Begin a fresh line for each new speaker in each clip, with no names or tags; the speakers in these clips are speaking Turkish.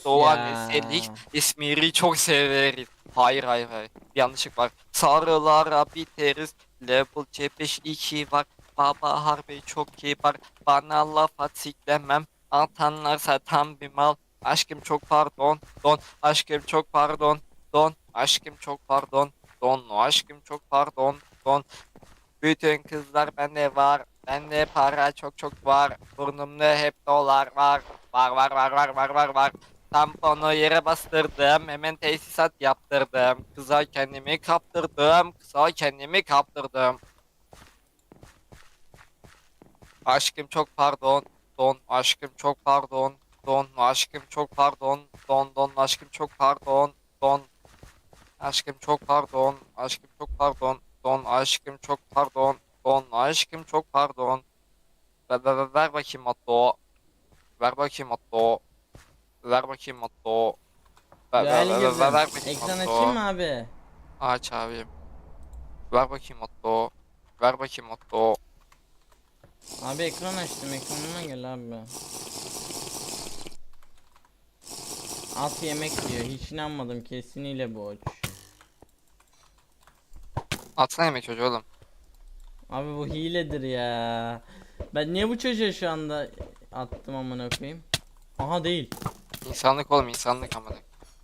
Doğan
ya.
eselik İzmir'i çok severiz. Hayır hayır hayır. Bir yanlışlık var. Sarılara biteriz. Level C5 2 var. Baba harbi çok kibar. Bana laf atiklemem. Atanlarsa tam bir mal. Aşkım çok pardon. Don. Aşkım çok pardon. Don. Aşkım çok pardon. Don. Aşkım çok pardon. Don. Bütün kızlar bende var. Bende para çok çok var. Burnumda hep dolar var. Var. Tamponu yere bastırdım. Hemen tesisat yaptırdım. Kıza kendimi kaptırdım. Kıza kendimi kaptırdım. Aşkım çok pardon. Don aşkım çok pardon. Don aşkım çok pardon. Don aşkım çok pardon. Don aşkım çok pardon. Aşkım çok pardon. Don aşkım çok pardon. Don aşkım çok pardon. Ver bakayım Matto. Ver bakayım Matto. Ver bakayım Matto.
Değerli gözüm.
Ver bakayım
Ekran açayım
Matto.
mı abi?
Aç abim. Ver bakayım Matto. Ver bakayım Matto.
Abi ekran açtım. Ekranıma gel abi. At yemek diyor. Hiç inanmadım. Kesinlikle boş.
Atsana yemek çocuğu oğlum.
Abi bu hiledir ya. Ben niye bu çocuğa şu anda attım amına koyayım? Aha değil.
İnsanlık oğlum insanlık amına.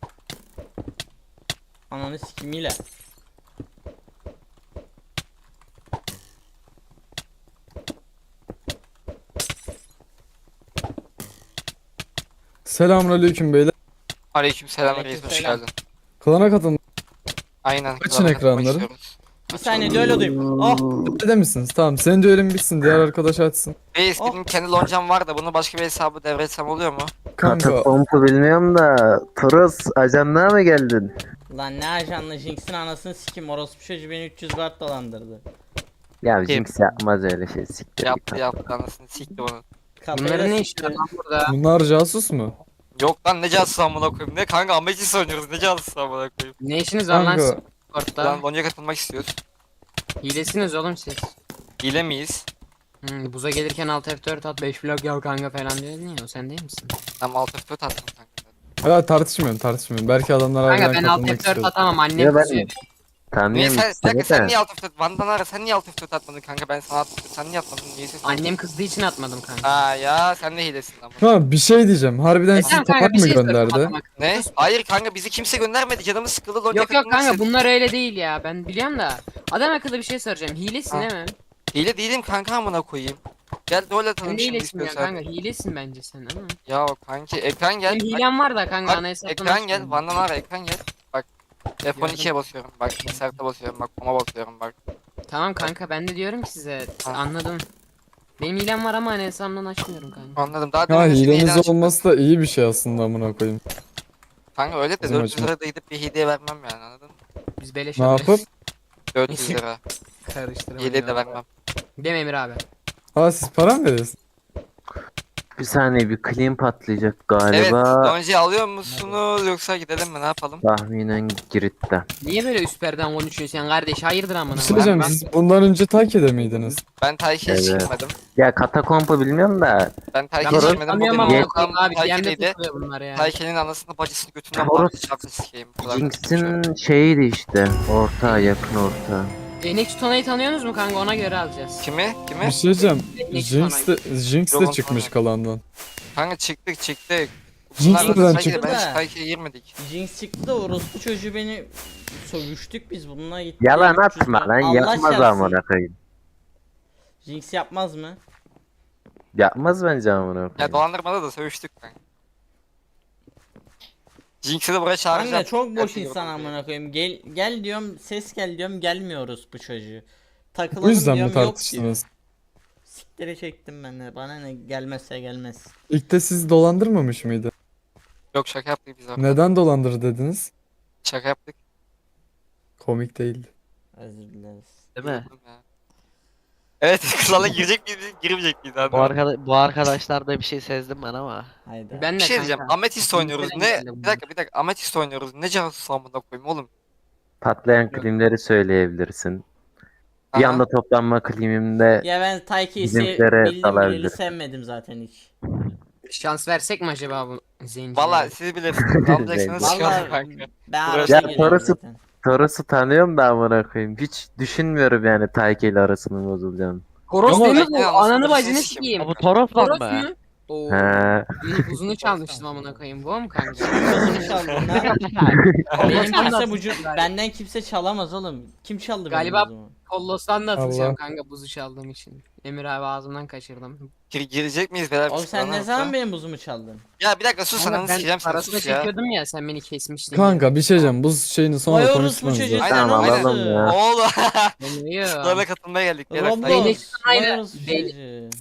Ananı sikim hile.
Selamünaleyküm beyler.
Aleykümselam reis hoş
Aleykümselam.
geldin.
Klana katılın.
Aynen
Açın
klana katılmak
ekranları.
istiyoruz.
Bir saniye düello duyayım. Oh.
Ede misiniz? Tamam. Senin düelin bitsin. Diğer arkadaş açsın.
Reis
Oh.
benim kendi loncam var da bunu başka bir hesabı devretsem oluyor mu?
Kanka.
Katakompu bilmiyorum da Toros ajanlığa mı geldin?
Lan ne ajanlı Jinx'in anasını sikim. Orospu çocuğu beni 300 guard dolandırdı.
Ya Jinx yapmaz öyle şey, siktir git.
Yaptı anasını sikti bunu.
Kafayı
Bunların
da
ne işi
sikti.
var lan burada?
Bunlar casus mu?
Yok lan ne casus amına koyayım. Ne kanka Ametis oynuyoruz ne casus amına koyayım.
Ne işiniz var lan
Kanka.
siz
Lan
Discord'da?
lonca katılmak istiyoruz.
Hilesiniz oğlum siz.
Hile miyiz?
Buza gelirken alt F4 at 5 blok yok kanka falan diyordun ya, o sen değil misin?
Tam alt F4 attım kanka.
Hala tartışmıyorum. Belki adamlar
Kanka
harbiden
ben alt
katılmak
F4
istiyor.
atamam, annem
Ya ben
kızıyor.
Niye
tanıyorum
sen, bir dakika,
seni
sen
de.
niye alt F4 Van'dan ara sen niye alt F4 atmadın kanka ben sana attım sen niye atmadın niye ses
Annem kızdığı için atmadım kanka.
Aa ya sen de hilesin ama.
Ha bir şey diyeceğim. Harbiden sizi
Tamam kanka,
tabak
bir
mı
şey soracağım
gönderdi?
adam akıllı.
Ne? Hayır kanka bizi kimse göndermedi canımız sıkıldı lonca
Yok
katılmak
kanka
istedim.
bunlar öyle değil ya, ben biliyorum da. Adam akıllı bir şey soracağım, hilesin
Ha.
değil mi?
Hile değilim kanka amına koyayım. Gel rol
Sen
atalım
de
şimdi
hilesin ya
istiyorsan.
kanka, hilesin bence sen ama.
Ya kanki ekran gel.
Benim
Bak,
hilem var da kanka,
bak,
ana hesaptan
ekran gel
açmıyorum.
Van'dan ara ekran gel. Bak F12'ye basıyorum bak insert'e basıyorum bak koma basıyorum bak.
Tamam kanka, ben de diyorum ki size,
Ha.
anladım. Benim hilem var ama ana hesabımdan açmıyorum kanka.
Anladım daha
Ha
demin senin hilen
hileniz
çıktı.
olması da iyi bir şey aslında amına koyayım.
Kanka öyle de
Bizim
400
açımız.
lira da gidip bir hediye vermem yani anladın mı?
Biz beleş
Ne
alıyoruz.
yapıp?
400 lira.
Karıştırmayın
Hediye de
ya.
vermem.
Değil mi Emir abi?
Ha siz para mı veriyorsunuz?
Bir saniye, bir clean patlayacak
Evet
galiba.
Lonca alıyor musunuz yoksa gidelim mi ne yapalım?
Tahminen Girit'te.
Niye böyle üst perden konuşuyorsun sen kardeş? Hayırdır amına
Bir şey
koyayım?
diyeceğim. Siz bundan önce Taki'de miydiniz?
Ben Tayki'ye
Evet.
çıkmadım.
Ya Katakompu bilmiyorum da
Ben Tayki'ye
Toros-
çıkmadım. Bugün
Tanıyorum ama
ortam
abi DM'de
Tayki'deydi.
tutuyor bunlar ya.
Tayki'nin anasını bacısını götünden
Toros-
bağlı şarkı sikeyim. Bu kadar konuşuyorum.
Jinx'in şeyiydi işte. Orta, yakın orta.
Enek Tutana'yı tanıyorsunuz mu kanka? Ona göre alacağız.
Kimi? Kimi?
Bir şey diyeceğim.
Ne
Jinx de
Yok,
çıkmış
onu
kalandan.
Kanka çıktık.
Jinx
Bunlarla
neden
Tayki'de
çıktı?
ben Tayki'ye girmedik.
Jinx çıktı da orospu çocuğu beni sövüştük biz bununla gitti.
Yalan
300
atma
guard.
lan,
Allah
yapmaz
şahsı.
amına koyayım.
Jinx yapmaz mı?
Yapmaz bence amına
Ya
koyayım.
dolandırmada da sövüştük kanka. Jinx'i de buraya çağıracağım.
Kanka çok boş
Gerçi
insan
yok.
amına koyayım. Gel diyorum, ses gel diyorum, gelmiyoruz bu çocuğu. Takılalım
Bu yüzden mi
diyorum, yok diyor.
tartıştınız?
Siktire çektim ben de. Bana ne, gelmezse gelmez.
İlk de sizi dolandırmamış mıydı?
Yok şaka yaptık biz orada.
Neden dolandır dediniz?
Şaka yaptık.
Komik değildi.
Özür dileriz.
Değil mi?
Evet kızlarla girecek miyiz girmeyecek miyiz abi?
Bu arkadaşlarda bir şey sezdim ben ama.
Haydi.
Ben
Bir
de
şey diyeceğim.
kanka.
Ametist oynuyoruz. Ne?
geldi
Bir dakika. Ametist oynuyoruz. Ne casus amına koyayım oğlum?
Patlayan klimleri söyleyebilirsin. Bir
Aha.
anda toplanma klimimde
Ya ben Tayki'yi
Bizimkilere
bildim
dalabilir.
bileli sevmedim zaten hiç.
Şans versek mi acaba bu zencilere?
Valla siz bilirsiniz. Ne yapacaksınız?
Vallahi
Çıkarın kanka.
Ben
Burası-
arada
Ya
giriyorum
Toros'u-
zaten.
Toros'u tanıyorum da amına koyayım. Hiç düşünmüyorum yani Tayke ile arasının bozulacağını.
Toros
Ama
değil mi
ben
bu?
anasını
Ananı bacını
sikeyim.
sikeyim.
Ha, bu Toros lan
Toros
mı?
mu? Oo.
He.
Uzunu çalmıştım amına koyayım. Bu mu kanka?
Uzunu çaldın lan. Benim kimse benden kimse çalamaz oğlum. Kim çaldı benim
Galiba-
uzumu?
Kollos'tan da atılacağım
Allah.
kanka buzu çaldığım için. Emir abi ağzımdan kaçırdım.
Girecek miyiz beyler?
Oğlum sen ne
Bana
zaman
yoksa?
benim buzumu çaldın?
Ya bir dakika sus
Kanka
ananı
ben
sikeceğim seni
parasını
sus ya.
çekiyordum ya sen beni kesmiştin.
Kanka bir şey diyeceğim. Bu şeyini
Vay
sonra
orospu
konuşmanız
çocuğu
lazım.
sen
Tamam,
nasıl?
alalım ya.
Oğlum.
Deniyor.
Sınavına katılmaya geldik. Beyler.
Roblox.
Değnek
Vay
sanayla-
orospu
değnek-
çocuğu.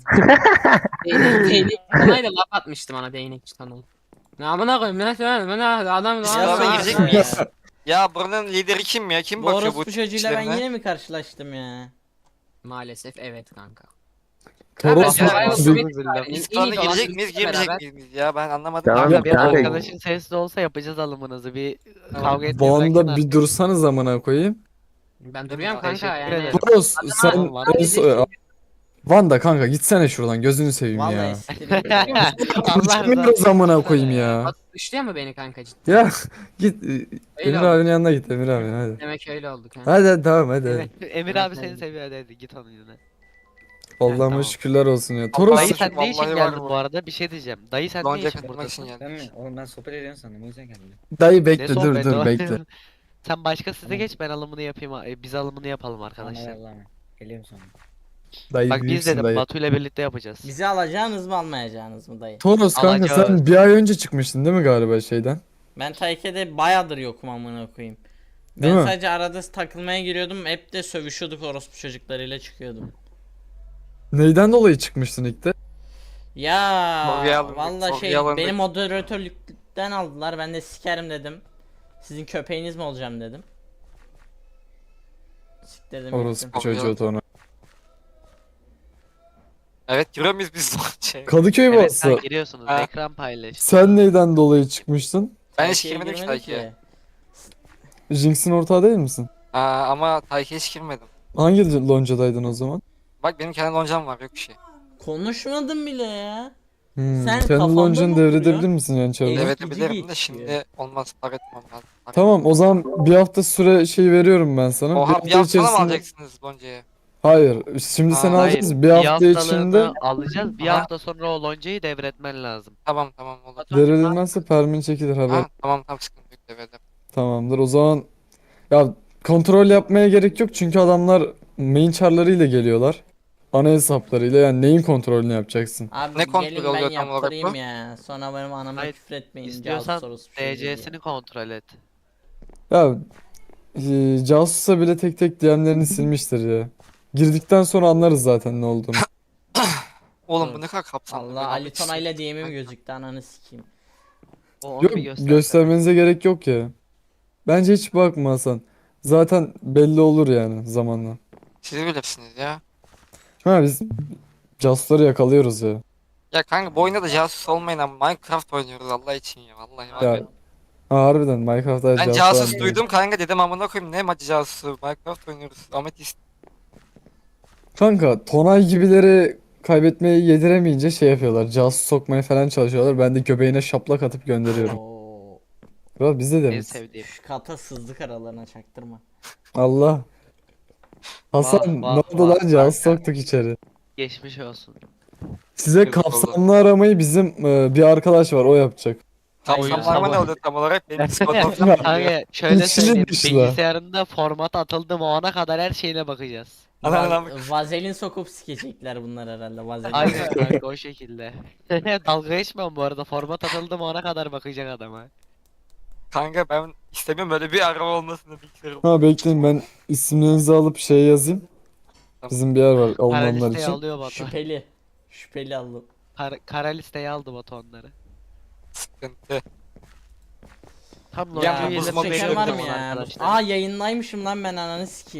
Değnek tanayla laf atmıştı bana değnek tanay. Ne amına koyayım ne söyle bana adam
Sınava
Ya
girecek
sen-
miyiz? Ya buranın lideri kim ya? Kim
Bu
bakıyor bu
orospu çocuğuyla ben
işlerine?
yine mi karşılaştım ya?
Maalesef evet kanka.
Toros
Ya,
mu?
ya,
Bir-
Biz plana girecek miyiz girmeyecek miyiz biz ya? Ben anlamadım.
Tamam,
Kanka
Yok,
bir
kanka.
arkadaşın sessiz olsa yapacağız alımınızı. Bir kavga etmeyi
Bu
bırakın
anda
artık.
bir dursanız amına koyayım.
Ben duruyorum
Teşekkür
kanka yani.
ederim.
Toros sen
Tamam,
en son... Vanda kanka gitsene şuradan gözünü seveyim
Vallahi
ya.
siktir git.
Allah
Konuşamıyoruz amına koyayım ya.
Bak, dışlıyor mu beni kanka cidden?
Ya git
Öyle
Emir
oldu.
abinin yanına git Emir abi hadi.
Demek öyle oldu kanka.
Hadi tamam hadi.
Emir abi seni seviyor hadi git onun yüzüne.
Allah'ıma
tamam.
şükürler olsun ya.
Vallahi
Toros
Dayı sen ne
Vallahi
için
var
geldin
bu.
bu arada? Bir şey diyeceğim. Dayı sen ne
Lonca
için
katılmak için
buradasın?
geldim.
Ben mi? Oğlum ben sohbet ediyorsun sandım o yüzden geldim.
dayı
Ne
bekle dur
sohbeti
dur
o?
bekle.
Sen başka size
Tamam.
geç ben alımını yapayım. Biz alımını yapalım
Tamam
arkadaşlar.
Allah'ım. Geliyorum sonra.
Dayı
Bak biz
büyüksün
dedim
dayı.
Batu ile birlikte yapacağız.
Bizi alacağınız mı almayacağınız mı dayı?
Toros kanka
Alacağız.
sen bir ay önce çıkmıştın değil mi galiba şeyden?
Ben Tayke'de bayağıdır yokum amına koyayım.
Değil
Ben
mi?
sadece arada takılmaya giriyordum. Hep de sövüşüyorduk orospu çocuklarıyla çıkıyordum.
Neyden dolayı çıkmıştın ilk de?
Ya
Sorguya alındık,
valla şey
sorguya alındık.
beni moderatörlükten aldılar. Ben de sikerim dedim. Sizin köpeğiniz mi olacağım dedim. Siktirdim
Orospu
gittim.
çocuğu Tona.
Evet giriyor muyuz biz Lonca'ya?
Kadıköy
Evet
bası.
sen giriyorsunuz.
Ha.
Ekran paylaş.
Sen neyden dolayı çıkmıştın?
Ben hiç
Tayke'ye
girmedim ki
girmedik
Tayke'ye.
Jinx'in ortağı değil misin?
Ama Tayke'ye hiç girmedim.
Hangi loncadaydın o zaman?
Bak benim kendi loncam var yok bir şey.
Konuşmadım bile ya.
Hmm.
Sen
Kendi
kafanda
loncanı
mı
devredebilir
oturuyor?
misin yani çabuk?
Evet.
Evet
Eskici
bilirim de
geçiyor.
şimdi olmaz para etmem lazım. Para
Tamam o zaman bir hafta süre şey veriyorum ben sana.
etmem. Oha bir hafta mı alacaksınız Lonca'ya?
Hayır. Şimdi sen
Aa,
alacaksın. Bir hafta
haftalığını
içinde
alacağız. Bir
Aha.
hafta sonra o loncayı devretmen lazım.
Tamam tamam olur.
devredilmezse permin çekilir haber.
Ha, tamam tamam sıkıntı yok devredim.
Tamamdır. O zaman ya kontrol yapmaya gerek yok çünkü adamlar main char'larıyla geliyorlar. Ana hesaplarıyla yani neyin kontrolünü yapacaksın?
Abi
Ne kontrol
gelin
oluyor
ben
tam olarak
yaptırayım
bu?
ya. Sonra benim anama
Hayır,
küfür etmeyin.
İstiyorsan
casus orospu çocuğu diye.
DC'sini kontrol et.
Ya casusa bile tek tek DM'lerini silmiştir ya. Girdikten sonra anlarız zaten ne olduğunu.
Oğlum bu
Evet.
ne kadar kapsamlı.
Allah
ben
Ali
anlamak
Tona'yla
istiyorum.
DM'im gözüktü ananı sikeyim.
O onu
Yok
bir göster.
göstermenize gerek yok ya. Bence hiç bakma Hasan. Zaten belli olur yani zamanla.
Siz bilirsiniz ya.
Ha biz casusları yakalıyoruz ya.
Ya kanka bu oyunda da casus olmayın ama Minecraft oynuyoruz Allah için ya vallahi var
Ya,
ya.
Ha, harbiden Minecraft'ta
Ben
casus
casus
var.
duydum kanka dedim amına koyayım ne maçı casusu Minecraft oynuyoruz. Ametist.
Kanka Tonay gibileri kaybetmeyi yediremeyince şey yapıyorlar. Casus sokmaya falan çalışıyorlar. Ben de göbeğine şaplak atıp gönderiyorum.
Oo.
Kral bizde de
En
mi?
sevdiğim.
Şu kata sızdık aralarına çaktırma.
Allah. Hasan
Vah,
ne
vah,
oldu
vah,
lan Casus
kanka.
soktuk içeri.
Geçmiş olsun.
Size
Yok, oldu.
kapsamlı aramayı bizim bir arkadaş var o yapacak.
Kapsamlarıma ne
sabah-
oluyor tam olarak benim Discord'um.
Kanka şöyle
İçli
söyleyeyim.
dışlı.
Bilgisayarında format atıldı mı ona kadar her şeyine bakacağız.
Vazelin sokup sikecekler bunlar herhalde. Vazelin.
Aynen kanka o şekilde. Dalga geçmem bu arada. Format atıldı mı ona kadar bakacak adama.
Kanka ben istemiyorum böyle bir araba olmasını bilmiyorum.
Ha bekleyin ben isimlerinizi alıp şey yazayım.
Tamam.
Bizim bir yer var
Kara
alınanlar
listeye
için.
alıyor Batu.
Şüpheli. Şüpheli aldım.
Kara listeye aldı Batu onları.
Sıkıntı.
Tam
Ya,
loncayı
bu
ile
buzma
Çeken
bekliyorum
var mı
ama
ya?
arkadaşlar.
Aa yayınlaymışım lan ben ananı sikeyim.